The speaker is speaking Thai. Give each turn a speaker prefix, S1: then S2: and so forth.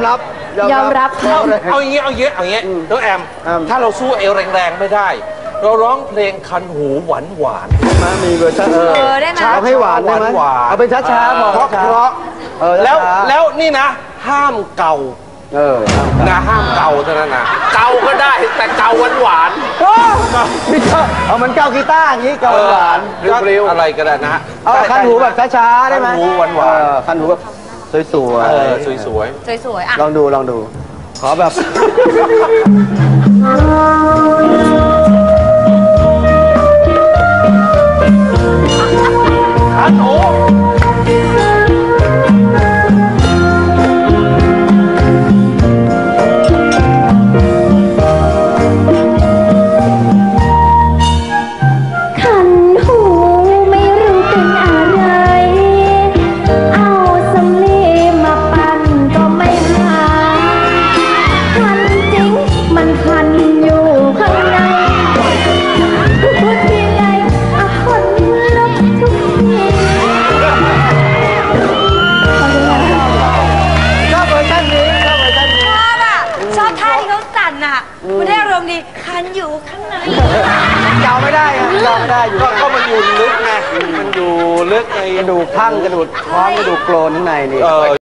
S1: รับ
S2: เอาอย่างงี้น้องแอมถ้าเราสู้เอวแรงๆไม่ได้เราร้องเพลงคันหูหวาน
S1: มีเวอร์ชัน
S3: ได้ไหม
S1: เอาให้หวานได้ไหมเอาเป็นช้าๆเพราะ
S2: แล้วนี่นะห้ามเกานะห้ามเกาเท่านั้นนะเกาก็ได้แต่เกาหวาน
S1: เอามันเกากีตาร์อย่างนี้เกาหวาน
S2: เร็วอะไรก็ได้นะ
S1: เอาคันหูแบบช้าๆได้ไหม
S2: คันหูหวาน
S1: คันหูแบบสวย
S2: ๆสวย
S3: อ่ะ
S1: ลองดูขอแบบ
S2: คันหู
S3: มันได้อารมณ์ดีคันอยู่ข้างใน
S1: เกาไม่ได้อยู่
S2: ก็มันอยู่ลึกไงมันอยู่ลึกใน
S1: กระดูกทั้งกระดูกท้องกระดูกโกรนข้างในนี่